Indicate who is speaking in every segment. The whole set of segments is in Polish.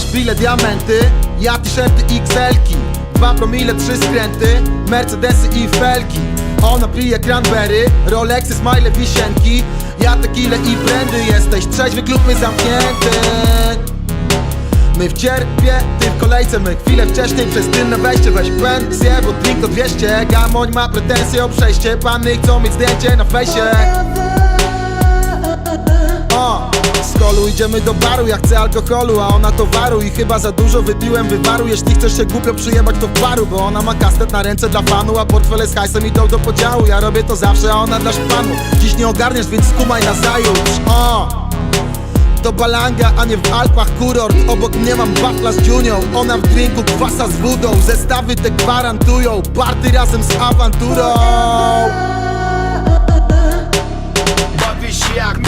Speaker 1: szpile, diamenty, ja t-shirty XL-ki, 2 promile, 3 skręty, Mercedesy i felki. Ona pije cranberry, Rolexy, smile, wisienki, ja tequila i brandy. Jesteś trzeźwy, klub my zamknięty. My w cierpie, ty w kolejce, my chwilę wcześniej przez tylne wejście. Weź pensję, bo drink to 200. Gamoń ma pretensje o przejście, panny chcą mieć zdjęcie na fejsie. Z kolu idziemy do baru, ja chcę alkoholu, a ona towaru. I chyba za dużo wypiłem wywaru. Jeśli chcesz się głupio przyjebać, to w baru, bo ona ma kastet na ręce dla fanu, a portfele z hajsem idą do podziału. Ja robię to zawsze, a ona dla szpanu. Dziś nie ogarniesz, więc skumaj nazajutrz. To Balanga, a nie w Alpach kurort. Obok mnie mam wafla z dziunią, ona w drinku kwasa z wodą. Zestawy te gwarantują, party razem z awanturą.
Speaker 2: Bawisz jak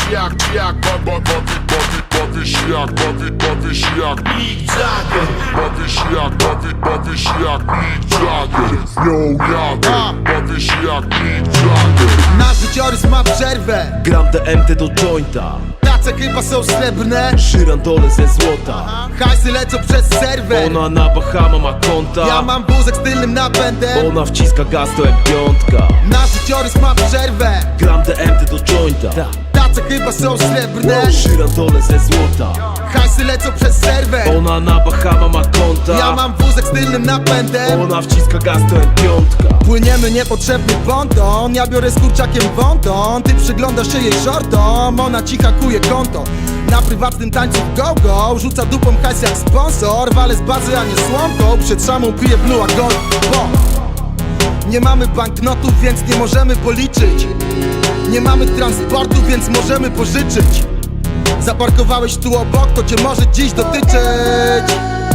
Speaker 2: Mick Jagger.
Speaker 3: Bawisz jak Mick Jagger. Yo, Jagger. Bawisz jak Mick Jagger.
Speaker 1: Nasz życiorys ma przerwę,
Speaker 4: Gram DMT do jointa,
Speaker 1: tace chyba są srebrne,
Speaker 4: żyrandole ze złota.
Speaker 1: hajsy lecą przez serwer.
Speaker 4: Ona na Bahama ma konta,
Speaker 1: Ja mam wózek z tylnym napędem.
Speaker 4: ona wciska gaz to jak piątka.
Speaker 1: Nasz życiorys ma przerwę,
Speaker 4: Gram DMT do jointa,
Speaker 1: tace chyba są srebrne,
Speaker 4: żyrandole ze złota.
Speaker 1: hajsy lecą przez serwer.
Speaker 4: Ona na Bahama ma konta,
Speaker 1: Ja mam wózek z tylnym napędem.
Speaker 4: ona wciska gaz to jak piątka.
Speaker 1: Płyniemy niepotrzebny ponton, ja biorę z kurczakiem wąton. Ty przyglądasz się jej shortom, ona ci hakuje konto. Na prywatnym tańcu w go-go, rzuca dupą hajs jak sponsor. Walę z bazy, a nie słomką, przed szamą piję blue a gold, bo nie mamy banknotów, więc nie możemy policzyć. Nie mamy transportu, więc możemy pożyczyć. Zaparkowałeś tu obok, to cię może dziś dotyczyć.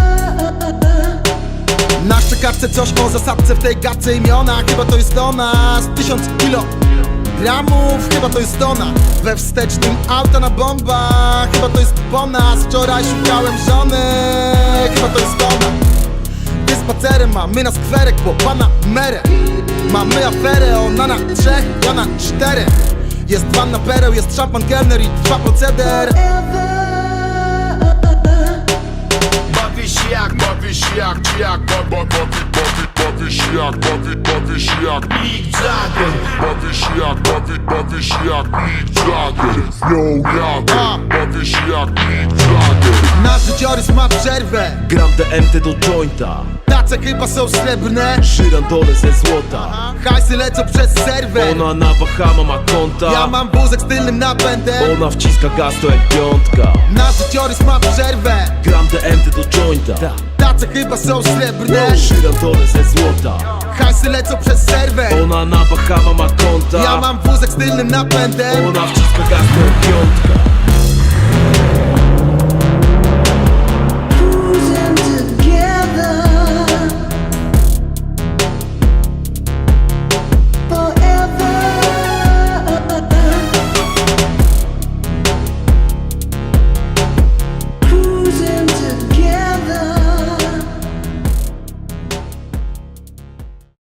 Speaker 1: Na szczekawce coś o zasadce w tej gadce imiona. Chyba to jest ona, z 1000 kilogramów. Chyba to jest ona, we wstecznym auta na bombach. Chyba to jest po nas, wczoraj szukałem żony. Chyba to jest ona. Ty spacerem, mamy na skwerek, bo pana merę. Mamy aferę, ona na 3, ja na 4. Jest wanna pereł, jest szampan kelner i trwa proceder.
Speaker 2: Bawisz jak
Speaker 3: Bawisz jak Mick Jagger.
Speaker 2: Mick Jagger.
Speaker 3: Bawisz jak Mick Jagger. Yo, Jagger. Bawisz jak Mick Jagger.
Speaker 1: Nasz życiorys ma przerwę,
Speaker 4: Gram DMT do jointa,
Speaker 1: tace chyba są srebrne,
Speaker 4: żyrandole ze złota.
Speaker 1: hajsy lecą przez serwer.
Speaker 4: Ona na Bahama ma konta,
Speaker 1: Ja mam wózek z tylnym napędem.
Speaker 4: ona wciska gaz to jak piątka.
Speaker 1: Nasz życiorys ma przerwę,
Speaker 4: Gram DMT do jointa,
Speaker 1: tace chyba są srebrne,
Speaker 4: żyrandole ze złota.
Speaker 1: hajsy lecą przez serwer.
Speaker 4: Ona na Bahama ma konta,
Speaker 1: Ja mam wózek z tylnym napędem.
Speaker 4: ona wciska gaz to jak piątka.